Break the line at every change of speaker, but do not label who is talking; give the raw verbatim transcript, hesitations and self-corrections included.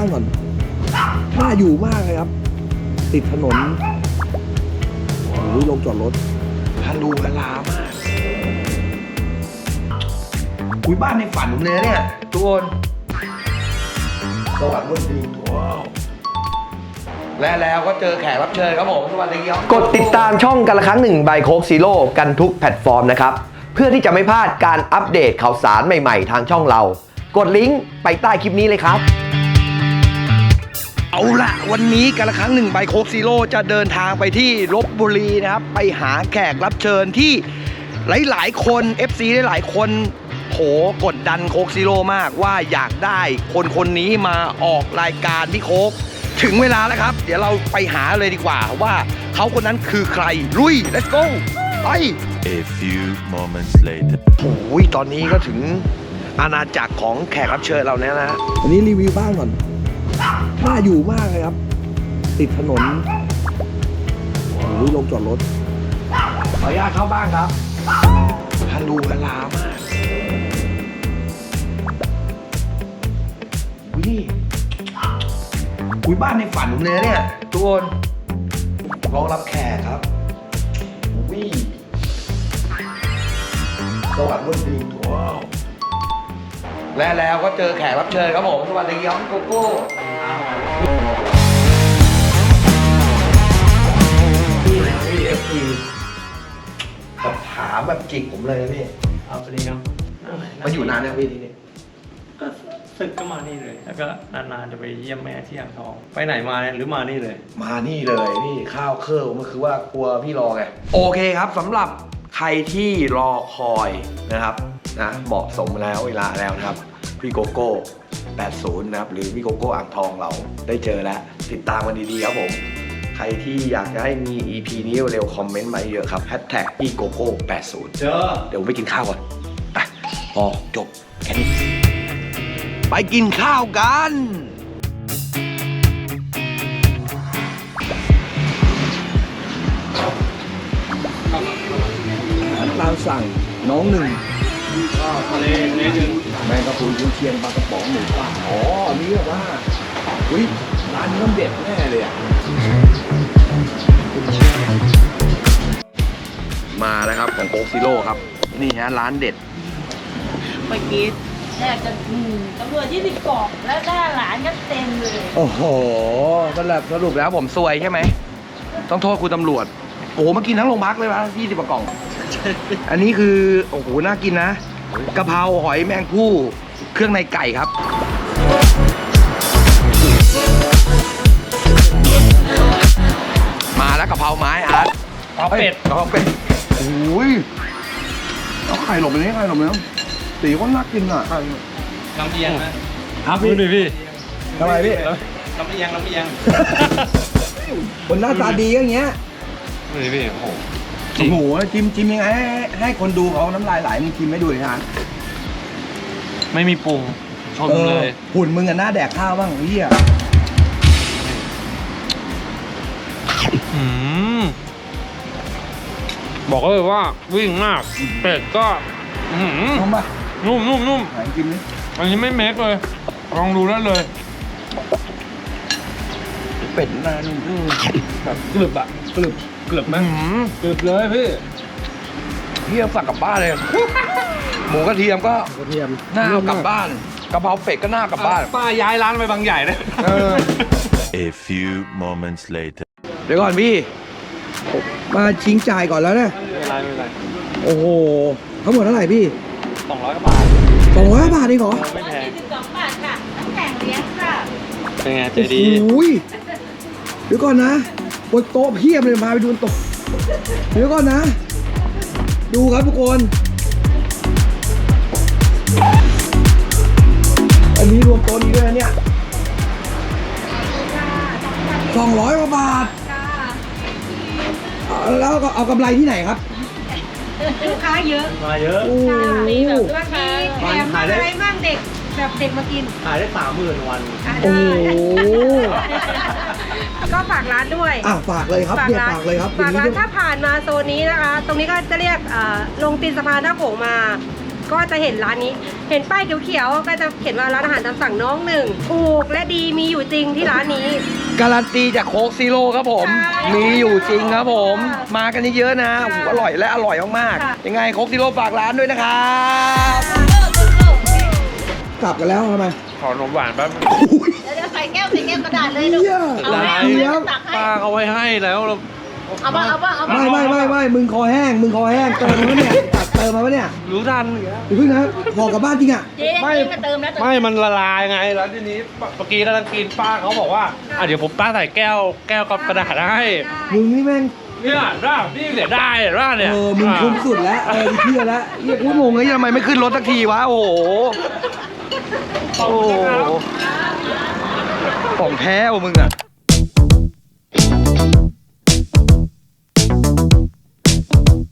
างก่อนน่าอยู่มากเลยครับติดถนนโอ้ยลงจอดรถฮัลโหลฮาลามากคุยบ้านในฝันผมเลยเนี่ยทุกคนสวัสดีว้าวและแล้วก็เจอแขกรับเชิญครับผมสวัสดีครับกดติดตามช่องกันละครั้งหนึ่งใบโคกซีโร่กันทุกแพลตฟอร์มนะครับเพื่อที่จะไม่พลาดการอัปเดตข่าวสารใหม่ๆทางช่องเรากดลิงก์ไปใต้คลิปนี้เลยครับเอาละวันนี้กันละครั้งหนึ่งใบโคกซีโร่จะเดินทางไปที่ลพบุรีนะครับไปหาแขกรับเชิญที่หลายๆคน เอฟ ซี หลายๆคนโหกดดันโคกซีโร่มากว่าอยากได้คนคนนี้มาออกรายการพี่โคกถึงเวลาแล้วครับเดี๋ยวเราไปหาเลยดีกว่าว่าเขาคนนั้นคือใครลุย let's go ไป
A few moments later
โอ้ยตอนนี้ก็ถึงอาณาจักรของแขกรับเชิญเราเนี่ยนะอันนี้รีวิวบ้านก่อนน่าอยู่มากเลยครับติดถนนโอ้ยลงจอดรถขออนุญาตเข้าบ้านครับฮัลโหลฮาลามากวิคุยบ้านในฝันผมเลยเนี่ยทุกคนรองรับแขกครับวิสวัสดีว้าวและแล้วก็เจอแขกรับเชิญครับผมสวัสดีครับโกโก้พี่พี่เอฟพีแบบถามแบบจิกผมเลยนะพี่
เอาไปเลยครับ
มาอยู่นานแล้วพี่ที่นี่
ก็ศึกก็มานี่เลย แล้วก็นานๆจะไปเยี่ยมแม่ที่อ่างทอง ไปไหนมาเนี่ยหรือมานี่เลย
มานี่เลยพี่ข้าวเครื่องมันคือว่ากลัวพี่รอไงโอเคครับสำหรับใครที่รอคอยนะครับนะเหมาะสมแล้วเวลาแล้วนะครับพี่โกโก้แปดสิบนะครับหรือพี่โกโก้อ่างทองเราได้เจอแล้วติดตามกันดีๆครับผมใครที่อยากจะให้มี อี พี นี้เร็วคอมเมนต์มาเยอะครับแฮชแท็กพี่โกโก้แปดสิบเจอเดี๋ยวผมไปกินข้าวก่อนไปพอจบแค่นี้ไปกินข้าวกันตามสั่งน้องหนึ่ง
ก็ทะเลทะเลหนึ่ง
แมงกะพรุนกุนเชียงปลากระป๋องหมูป่าอ๋ออันนี้แบบว่าอุ้ยร้านนี้ต้องเด็ดแน่เลยอ่ะมาแล้วครับของโค้กซิโร่ครับนี่ฮะร้านเด็ด
เมื่อกี้แทบจะอืมตำรวจยี่สิบกอกแล้วหน้าหลานก็เต็มเลย
โอ้โหสรุปสรุปแล้วผมซวยใช่ไหมต้องโทษคุณตำรวจโอ้โหมากินทั้งโรงพักเลยวะยี่สิบกล่องอันนี้คือโอ้โหน่ากินนะกะเพราหอยแมงผู้เครื่องในไก่ครับมาแล้วกะเพราไม้อาร์ต
กะเพราเป็ด
กะเพราเป็ดโอ้ยเอาไข่หลบเลยไข่หลบเลยสีก็น่ากินอ่ะ
น้ำเอียงนะครับพี่ดิพี่
ทำไมพี่
น้ำเอียงน้ำเอียง
คนหน้าตาดีอย่างเงี้ย
นี่พี่โอ้โห
โอ้โหจิ้มจิ้มยังไงให้ให้คนดูเขาน้ำลายไหลมึงจิ้มไม่ดูเลยฮะ
ไม่มีปรุงชมเลย
หุ่นมึงอะหน้าแดกข้าวบ้างเฮีย
บอกเลยว่าวิ่งมากเป็ดก็
นุ่มปะ
นุ่มนุ่มนุ่ม
ไหนกินนี่
อันนี้ไม่เมคเลยลองดูได้เลย
เป็ดน่านุ่มแบบกรึบอะกรึบกรึบไหม
กรึบเลยพี่
เฮียสั่งกลับบ้านเลยหมูกระเทียมก็กระเทียมหน้ากลับบ้านกะเพราเป็ดก็หน้ากลับบ้าน
ป้าย้ายร้านไปบางใหญ่เลย
A few moments later
เดี๋ยวก่อนพี่มาชิงจ่ายก่อนแล้วเนี่ย
ไม่เป็นไรไม่เป็นไร
โอ้โหทั้งหมดเท่าไหร่พี่
สองร้อยกว่าบาท
สองร้อยบาทเองเหรอ
ไม่แพง
สิบสองบาทค่ะน้ำแข็งเลี้ยงค่ะ
เป็นไงใจดี
โอ้ยเดี๋ยวก่อนนะบนโต๊ะเพียบเลยมาไปดูโต๊ะเดี๋ยวก่อนนะดูครับทุกคนอันนี้รวมโต๊ะนี้ด้วยนะเนี่ยสองร้อยกว่าบาทแล้วก็เอากำไรที่ไหนครับ
ลูกค้าเยอะ
มาเยอะ
มีแบบราคาแถมอะไรบ้างเด็กแบบเด็กมากิน
ขายได้สามหมื่นวัน
โอ้
ก็ฝากร้านด้วย
อ่ะฝากเลยครับเนี่ยฝากเลยครับ
ฝากร้านถ้าผ่านมาโซนนี้นะคะตรงนี้ก็จะเรียกลงตีนสะพานหน้าโขงมา
ก็จะเห็นร้านนี้ เห็นป้ายเขียวๆก็จะเขียนว่าร้านอาหารตามสั่งน้องหนึ่งถูกและดีมีอยู่จริงที่ร้านนี้
การันตีจากโค้กซีโร่ครับผม
ใช่
มีอยู่จริงครับผม
ค่ะ
มากันเยอะๆนะโอ้โหอร่อยและอร่อยมาก
ค่ะ
ๆยังไงโค้กซีโร่ฝากร้านด้วยนะครับกลับกันแล้วทำไม
ขอนมหวานแป๊บ
เดี๋ยวใส่แก้วใส่แก้วกระดาษเลยลูก
เหี้ย
เอา
หลาย
แม่
เจี๊ยบ
ตักให้
ป้าเขาไว้ให้แล้วเรา
เอาบ้างเอาบ้างเอาบ้าง
ไม่ไม่ไม่ไม่มึงคอแห้ง มึงคอแห้ง เติมมาปะเนี่ยตัดเติมมาปะเนี่ย
รู้ทัน
อย่าเพิ่งนะพอกลับบ้านจริงอ่ะ
เจ๊
ไม่
เจ๊มาเติมแล้วเติม
ไม่มันละลายไงแล้วทีนี้เมื่อกี้กำลังกินป้าเขาบอกว่าอ่ะเดี๋ยวผมป้าใส่แก้วแก้วกับกระดาษให้
มึงนี่แม่ง
เนี่ยร่านี่เสียได้ร่าเนี่ย
เออ มึงคุ้มสุดแล้ว เออเชื่อแล้วเฮียกูงงไงทำไมไม่ขึ้นรถสักทีวะ โอ้โห
ขอบ
โอ้
คุณ
โห
นะครับ
ของแท้ว่ะมึงอ่ะ